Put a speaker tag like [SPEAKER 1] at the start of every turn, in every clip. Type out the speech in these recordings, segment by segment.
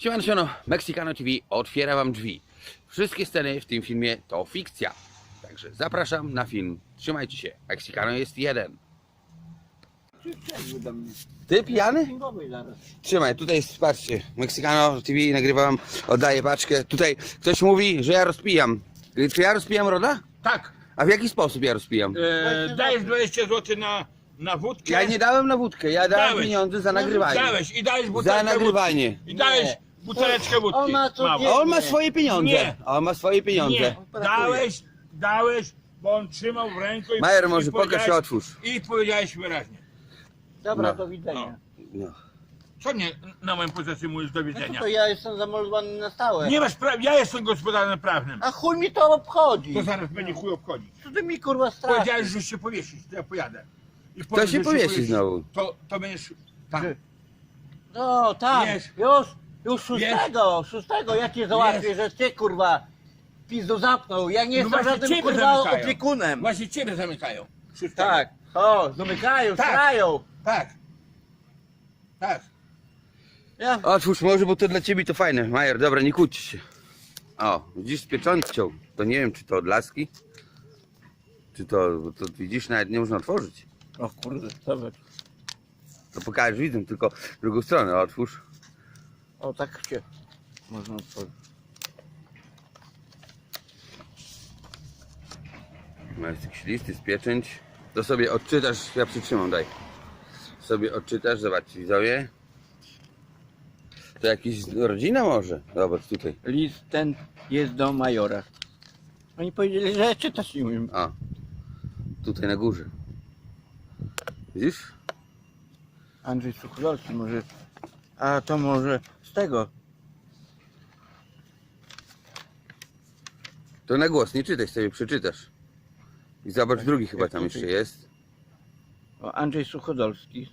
[SPEAKER 1] Siemano, Mexicano TV otwiera wam drzwi. Wszystkie sceny w tym filmie to fikcja. Także zapraszam na film. Trzymajcie się. Mexicano jest jeden. Ty pijany? Trzymaj, tutaj patrzcie. Mexicano TV nagrywam, oddaję paczkę. Tutaj ktoś mówi, że ja rozpijam. Czy ja rozpijam Roda?
[SPEAKER 2] Tak,
[SPEAKER 1] A w jaki sposób ja rozpijam?
[SPEAKER 2] dajesz 20 zł na wódkę.
[SPEAKER 1] Ja nie dałem na wódkę, ja dałem
[SPEAKER 2] Dałeś.
[SPEAKER 1] pieniądze za nagrywanie.
[SPEAKER 2] Dałeś i dałeś buteleczkę
[SPEAKER 1] Za nagrywanie.
[SPEAKER 2] wódki. I dałeś buteleczkę wódki.
[SPEAKER 3] On ma co
[SPEAKER 2] Mało.
[SPEAKER 3] wie-
[SPEAKER 1] A on ma swoje pieniądze.
[SPEAKER 2] Nie.
[SPEAKER 1] A on ma swoje pieniądze.
[SPEAKER 2] Nie, dałeś, bo on trzymał w ręku i
[SPEAKER 1] Majer,
[SPEAKER 2] i
[SPEAKER 1] może pokaż
[SPEAKER 2] powiedziałeś-
[SPEAKER 1] się, otwórz.
[SPEAKER 2] I powiedziałeś wyraźnie.
[SPEAKER 3] Dobra,
[SPEAKER 1] No.
[SPEAKER 3] do widzenia.
[SPEAKER 1] No.
[SPEAKER 2] Co mnie na moją pozycję mówisz do
[SPEAKER 3] No
[SPEAKER 2] widzenia?
[SPEAKER 3] to ja jestem zameldowany na stałe.
[SPEAKER 2] Nie masz prawa, ja jestem gospodarzem prawnym.
[SPEAKER 3] A chuj mi to obchodzi.
[SPEAKER 2] To zaraz będzie chuj obchodzić.
[SPEAKER 3] Co ty mi kurwa straszy?
[SPEAKER 2] Powiedziałeś, że się powiesisz, to ja pojadę. I
[SPEAKER 1] Kto
[SPEAKER 2] powiedz,
[SPEAKER 1] się
[SPEAKER 2] że
[SPEAKER 1] powiesi znowu?
[SPEAKER 2] To będziesz tam.
[SPEAKER 3] Że- No tak,
[SPEAKER 2] Wiesz.
[SPEAKER 3] już szóstego ja cię załatwię,
[SPEAKER 2] Wiesz.
[SPEAKER 3] że ty kurwa pizdu zapnął. Ja nie jestem
[SPEAKER 2] właśnie
[SPEAKER 3] żadnym
[SPEAKER 2] ciebie
[SPEAKER 3] kurwa
[SPEAKER 2] zamykają.
[SPEAKER 3] opiekunem.
[SPEAKER 2] Właśnie ciebie zamykają. Szóstego.
[SPEAKER 3] Tak, o, zamykają,
[SPEAKER 2] Tak.
[SPEAKER 3] strają.
[SPEAKER 2] Tak. Tak.
[SPEAKER 3] Ja,
[SPEAKER 1] Otwórz może, bo to dla ciebie to fajne. Majer, dobra, nie kłóćcie się. O, widzisz z pieczątką. To nie wiem, czy to od laski, czy to, bo to widzisz, nawet nie można otworzyć.
[SPEAKER 3] o kurde, zobacz.
[SPEAKER 1] To pokażesz widzom, tylko drugą stronę otwórz.
[SPEAKER 3] O, tak się można otworzyć.
[SPEAKER 1] Masz jakiś list, jest pieczęć. To sobie odczytasz, ja przytrzymam, daj. Sobie odczytasz, zobaczcie widzowie. To jakiś rodzina może? Zobacz tutaj.
[SPEAKER 3] List ten jest do majora. Oni powiedzieli, że czytać nie umiem.
[SPEAKER 1] A, tutaj na górze. Widzisz?
[SPEAKER 3] Andrzej Suchodolski może. A to może z tego.
[SPEAKER 1] To na głos, nie czytaj, sobie przeczytasz. I zobacz, drugi chyba tam jeszcze jest.
[SPEAKER 3] O, Andrzej Suchodolski.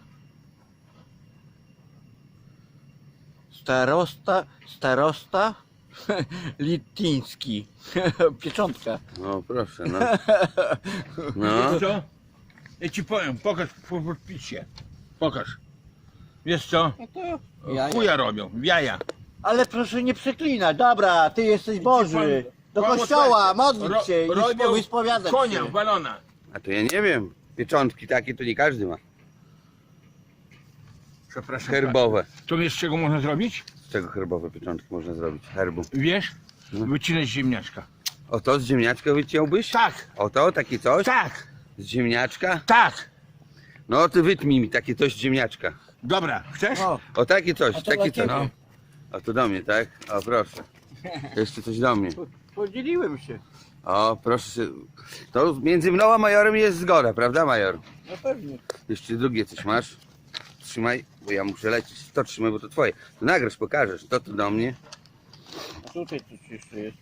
[SPEAKER 3] Starosta Lityński. Pieczątka.
[SPEAKER 1] O, proszę, no. No,
[SPEAKER 2] Wiesz co? Ja ci powiem, pokaż po podpisie. Pokaż. Wiesz co?
[SPEAKER 3] No to jaja.
[SPEAKER 2] Chuja robią, w jaja.
[SPEAKER 3] Ale proszę nie przeklinać. Dobra, ty jesteś Boży. Do
[SPEAKER 2] Pan-
[SPEAKER 3] kościoła,
[SPEAKER 2] pan-
[SPEAKER 3] modlić się
[SPEAKER 2] robią
[SPEAKER 3] i wyspowiadać
[SPEAKER 2] konia,
[SPEAKER 3] się.
[SPEAKER 2] balona.
[SPEAKER 1] a to ja nie wiem. Pieczątki takie to nie każdy ma.
[SPEAKER 2] Przepraszam.
[SPEAKER 1] Herbowe.
[SPEAKER 2] To wiesz, z czego można zrobić?
[SPEAKER 1] Z czego herbowe pieczątki można zrobić? Herbu.
[SPEAKER 2] Wiesz?
[SPEAKER 1] No.
[SPEAKER 2] Wycinać ziemniaczka.
[SPEAKER 1] O to z ziemniaczka wyciąłbyś?
[SPEAKER 2] Tak,
[SPEAKER 1] O to, takie coś?
[SPEAKER 2] tak,
[SPEAKER 1] Z ziemniaczka?
[SPEAKER 2] tak.
[SPEAKER 1] No to wytnij mi takie coś z ziemniaczka.
[SPEAKER 2] Dobra, chcesz?
[SPEAKER 3] O,
[SPEAKER 1] O takie coś,
[SPEAKER 3] A to
[SPEAKER 1] takie
[SPEAKER 3] dla
[SPEAKER 1] coś.
[SPEAKER 3] ciebie.
[SPEAKER 1] No. O to do mnie, tak? O proszę. Jeszcze coś do mnie.
[SPEAKER 3] podzieliłem się.
[SPEAKER 1] O proszę się. To między mną a majorem jest zgoda, prawda major?
[SPEAKER 3] No pewnie.
[SPEAKER 1] Jeszcze drugie coś masz. Trzymaj, bo ja muszę lecieć. To trzymaj, bo to twoje. To nagrasz, pokażesz. To do mnie.
[SPEAKER 3] A tutaj coś jeszcze jest.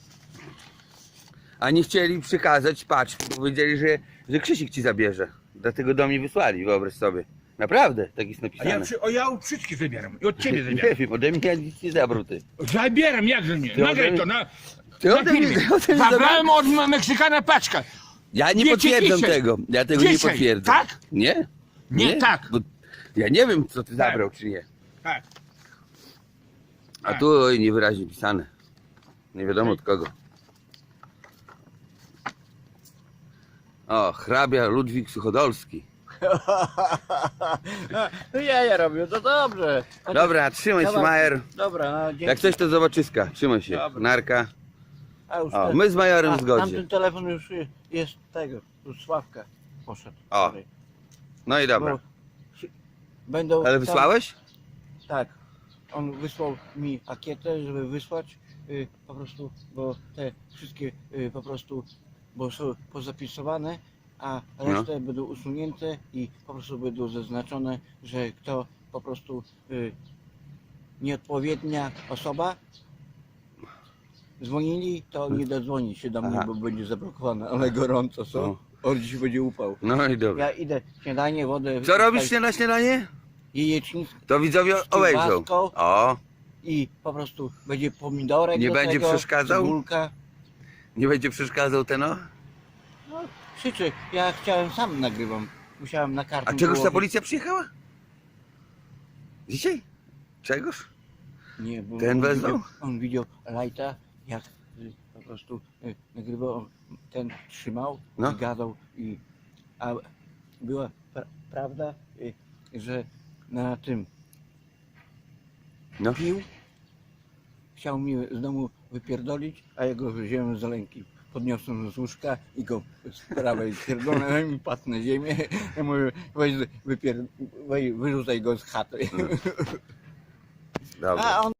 [SPEAKER 1] A nie chcieli przekazać paczki, bo powiedzieli, że Krzysiek ci zabierze. Dlatego do mnie wysłali, wyobraź sobie. Naprawdę, tak jest
[SPEAKER 2] A
[SPEAKER 1] napisane.
[SPEAKER 2] ja od wszystkich zabieram. I od ciebie
[SPEAKER 1] Nie
[SPEAKER 2] zabieram.
[SPEAKER 1] wiem, ode mnie nic nie zabrał ty.
[SPEAKER 2] Zabieram, jakże nie.
[SPEAKER 1] Ty
[SPEAKER 2] Nagraj
[SPEAKER 1] ode
[SPEAKER 2] to
[SPEAKER 1] mnie-
[SPEAKER 2] na
[SPEAKER 1] Ty ode mnie-
[SPEAKER 2] filmie.
[SPEAKER 1] ty ode mnie
[SPEAKER 2] Zabrałem od Meksykana paczkę.
[SPEAKER 1] Ja nie
[SPEAKER 2] Wiecie,
[SPEAKER 1] potwierdzam
[SPEAKER 2] dzisiaj.
[SPEAKER 1] tego. Ja tego nie
[SPEAKER 2] Dzisiaj,
[SPEAKER 1] potwierdzam.
[SPEAKER 2] tak?
[SPEAKER 1] Nie?
[SPEAKER 2] Nie, tak.
[SPEAKER 1] Bo ja nie wiem, co ty zabrał, czy nie.
[SPEAKER 2] Tak.
[SPEAKER 1] A tu oj, niewyraźnie pisane. Nie wiadomo od kogo. O, hrabia Ludwik Suchodolski.
[SPEAKER 3] No ja robię, to dobrze.
[SPEAKER 1] Dobra, trzymaj się,
[SPEAKER 3] Dobra.
[SPEAKER 1] Majer.
[SPEAKER 3] Dobra, no dzięki.
[SPEAKER 1] Jak coś to zobaczyska. Trzymaj się.
[SPEAKER 3] Dobra.
[SPEAKER 1] Narka.
[SPEAKER 3] A już
[SPEAKER 1] O,
[SPEAKER 3] ten-
[SPEAKER 1] my z Majorem w zgodzie.
[SPEAKER 3] Tamten telefon już jest tego, już Sławka poszedł.
[SPEAKER 1] O,
[SPEAKER 3] Sorry.
[SPEAKER 1] No i dobra.
[SPEAKER 3] Bo będą
[SPEAKER 1] Ale
[SPEAKER 3] tam-
[SPEAKER 1] wysłałeś?
[SPEAKER 3] Tak. On wysłał mi ankietę, żeby wysłać po prostu, bo te wszystkie po prostu, bo są pozapisowane, a resztę będą usunięte i po prostu będą zaznaczone, że kto po prostu nieodpowiednia osoba dzwonili, to nie dodzwoni się do mnie,
[SPEAKER 1] Aha.
[SPEAKER 3] bo będzie zablokowane, ale gorąco są.
[SPEAKER 1] No.
[SPEAKER 3] On dziś będzie upał.
[SPEAKER 1] No i dobra.
[SPEAKER 3] Ja idę śniadanie, wodę.
[SPEAKER 1] Co robisz na śniadanie?
[SPEAKER 3] Jajecznicę
[SPEAKER 1] To widzowie obejrzą.
[SPEAKER 3] kiełbaską.
[SPEAKER 1] O,
[SPEAKER 3] i po prostu będzie pomidorek
[SPEAKER 1] Nie
[SPEAKER 3] do
[SPEAKER 1] będzie
[SPEAKER 3] tego,
[SPEAKER 1] przeszkadzał?
[SPEAKER 3] cebulka.
[SPEAKER 1] nie będzie przeszkadzał ten o?
[SPEAKER 3] No, krzyczy, ja chciałem sam nagrywam. Musiałem na kartę.
[SPEAKER 1] A czegoż ta policja przyjechała? Dzisiaj? Czegoż?
[SPEAKER 3] Nie, bo
[SPEAKER 1] Ten wezwał?
[SPEAKER 3] on widział Lighta, jak po prostu nagrywał, on ten trzymał
[SPEAKER 1] No.
[SPEAKER 3] i gadał a była prawda, że na tym
[SPEAKER 1] No.
[SPEAKER 3] pił, chciał mi z domu wypierdolić, a ja go wziąłem z ręki. Podniosłem z łóżka i go z prawej pierdolę i padł na ziemię. Ja mówię, weź, weź wyrzucaj go z chaty.
[SPEAKER 1] Dobra.
[SPEAKER 3] A on